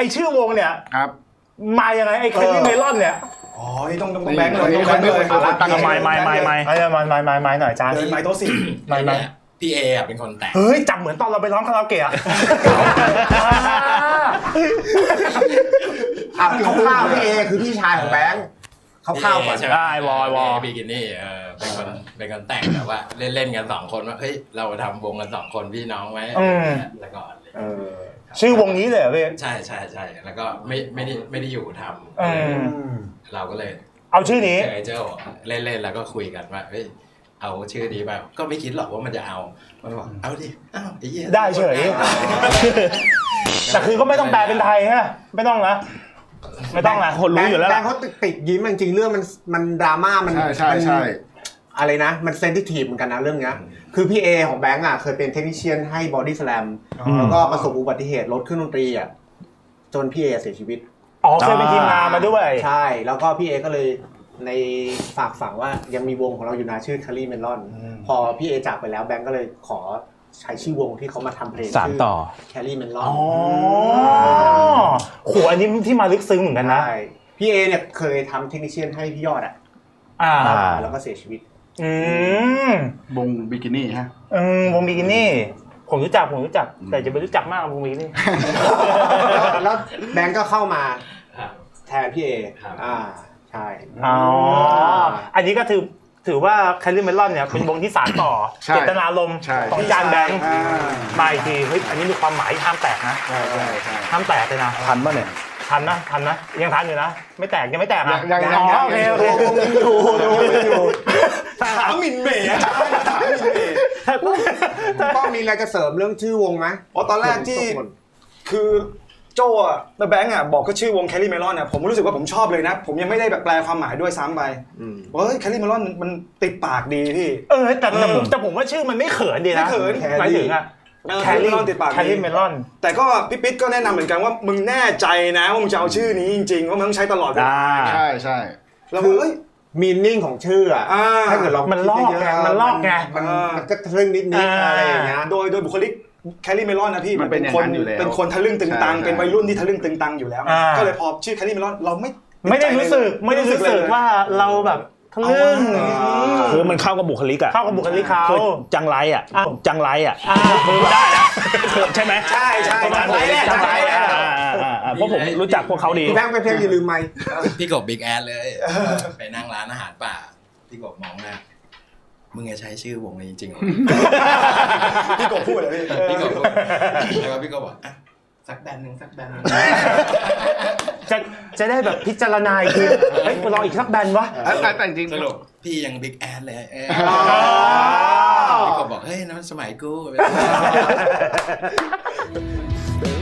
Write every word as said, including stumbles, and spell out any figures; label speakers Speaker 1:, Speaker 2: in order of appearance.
Speaker 1: อชื่อวงเนี่ย
Speaker 2: ครับ
Speaker 1: มายังไงไอ้แคลรี่เมลอนเนี่ย
Speaker 3: อ๋อต้องต้องแบงค์เลยต้องแบงค์เลย
Speaker 2: ตั้งไม่ไม่ไม่ไม่
Speaker 1: ไอ้ไม่ไม่ไม่ไม่หน่อยจ้า
Speaker 3: เดินไม้โต๊ะสี่
Speaker 1: ไม่ไม่
Speaker 4: พี่เอเป็นคนแต่ง
Speaker 1: เฮ้ยจับเหมือนตอนเราไปร้องคาราโอเกะ
Speaker 5: อ่ะข้าวๆพี่เอคือพี่ชายของแบงค์ข้าวๆก่อน
Speaker 1: ได้วอยวอ
Speaker 4: บิกินี่เออเป็นคนเป็นคนแต่งแต่ว่าเล่นเล่นกันสองคนว่าเฮ้ยเราทำวงกันสองคนพี่น้องไว้แล้วก่อนเลย
Speaker 1: ชื่อวงนี้เลยเหรอพี่
Speaker 4: ใช่ใช่ใช่แล้วก็ไม่ไม่ได้ไม่ได้อยู่ทำเราก็เลย
Speaker 1: เอาชื่อนี้
Speaker 4: เจอเจ้าเล่นเล่นแล้วก็คุยกันว่าเฮ้ยเอาชื่อนี้ไปก็ไม่คิดหรอกว่ามันจะเอามันบอกเอาดิอ้าวไอ้เหี้ย
Speaker 1: ได้เฉยแต่คือก็ไม่ต้องแปลเป็นไทยฮะไม่ต้องนะไม่ต้องนะคนรู้อยู่แล้ว
Speaker 5: แบงค์เขาติดยิ้มจริงๆเรื่องมันมันดราม่ามัน
Speaker 2: ใช่ใช่ใช่
Speaker 5: อะไรนะมันเซนซิทีฟเหมือนกันนะเรื่องเนี้ยคือพี่เอของแบงค์อ่ะเคยเป็นเทคนิคเชียนให้บอดี้สแลมแล้วก็ประสบอุบัติเหตุรถเครื่องดนตรีอ่ะจนพี่เอเสียชีวิต
Speaker 1: อ๋อเคยเป็นทีมงานมาด้วย
Speaker 5: ใช่แล้วก็พี่เอก็เลยในฝากฝังว่ายังมีวงของเราอยู่นะชื่อคารี่เมลอนพอพี่เอจากไปแล้วแบงก์ก็เลยขอใช้ชื่อวงที่เขามาทำเพลง
Speaker 1: สานต่อ
Speaker 5: แครี่เมลอน
Speaker 1: อ๋อโหอันนี้ที่มาลึกซึ้งเหมือนกันนะ
Speaker 5: พี่เอเนี่ยเคยทำเทคนิคเชียนให้พี่ยอดอ่ะ
Speaker 1: อ่า
Speaker 5: แล้วก็เสียชีวิต
Speaker 1: อืม
Speaker 2: วงบิกินี่ฮะ
Speaker 1: อืมวงบิกินี่ผมรู้จักผมรู้จักแต่จะไม่รู้จักมากวงบิกินี่
Speaker 5: แล้วแบงก์ก็เข้ามาแทนพี่เออ่าใช่
Speaker 1: อ๋ออันนี้ก็ถือถือว่าแคลรี่เมลอนเนี่ยเป็นวงที่สานต่อเจตนารมณ์ของจานแบงค์มาอีกทีเฮ้ยอันนี้มีความหมายห้ามแตกนะห้ามแตกเลยนะ
Speaker 2: ทันป่ะเนี่ย
Speaker 1: ทันนะทันนะยังทันอยู่นะไม่แตกยังไม่แตกอ่ะ
Speaker 5: อ๋อโอเคโอเคอยู่อยู่
Speaker 3: ถามมินเมย์ถามมินเมย์
Speaker 5: ต้องมีอะไรจะเสริมเรื่องชื่อวงไหม
Speaker 3: อ๋อตอนแรกที่คือโจ้อะแล้วแบงค์อะบอกก็ชื่อวงแคลรี่เมลอนเนี่ยผมรู้สึกว่าผมชอบเลยนะผมยังไม่ได้แบบแปลความหมายด้วยซ้ำไปเฮ้ยแคลรี่เมลอนมันติดปากดีพี่
Speaker 1: เออแต่แต่ผมแต่ผมว่าชื่อมันไม่เขินดีนะ
Speaker 3: ไม่เขิน
Speaker 1: หมายถึงอะ
Speaker 3: แคลรี่เมลอนติดปาก
Speaker 1: แคลรี่เมลอน
Speaker 3: แต่ก็พี่ปิ๊ดก็แนะนำเหมือนกันว่ามึงแน่ใจนะว่ามึงจะเอาชื่อนี้จริงๆว่ามึงต้องใช้ตลอดเวลา
Speaker 2: ใช่ใช่
Speaker 3: แล้วคือ
Speaker 5: มีนิ่งของชื่ออะถ้าเกิดเรา
Speaker 1: มันลอกไงมันลอกไง
Speaker 5: มันก็ทะลึ่งนิดนิดอะไรอย่างเงี้ย
Speaker 3: โดยโดยบุคลิกแคลรี่เมลอนนะพี่มันเป็นคนเป็นคนทะลึ่งตึงตังเป็นวัยรุ่นที่ทะลึ่งตึงตังอยู่แล้วก็เลยพอชื่อแคลรี่เมลอนเราไม่
Speaker 1: ไม่ได้รู้สึกไม่ได้รู้สึกว่าเราแบบทะลึ่ง
Speaker 6: คือมันเข้ากับบุคลิกอะ
Speaker 1: เข้ากับบุคลิกเขา
Speaker 6: จังไรอะจังไรอะคือได้นะใช่ไหม
Speaker 3: ใช่ใช่จังไรแหละจังไรแหละ
Speaker 6: เพราะผมรู้จักพวกเขาดี
Speaker 5: พี่แบงค์ไปเพียงอย่าลืมไหม
Speaker 4: พี่กบบิ๊กแอดเลยไปนั่งร้านอาหารป่าพี่กบมองหน้ามึงจะใช้ชื่อวงนี้จริงๆหรอ
Speaker 3: พี่กบพูดเลย
Speaker 4: พี่กบพูดแล้วก็พี่กบบอกสักแบนหนึ่งสักแบน
Speaker 1: จะจะได้แบบพิจารณาอีกทีเฮ้ยลองอีกสักแบนวะ
Speaker 2: แต่จริง
Speaker 4: สรุปพี่ยังบิ๊กแอดเลยพี่กบบอกเฮ้ยนั่นสมัยกู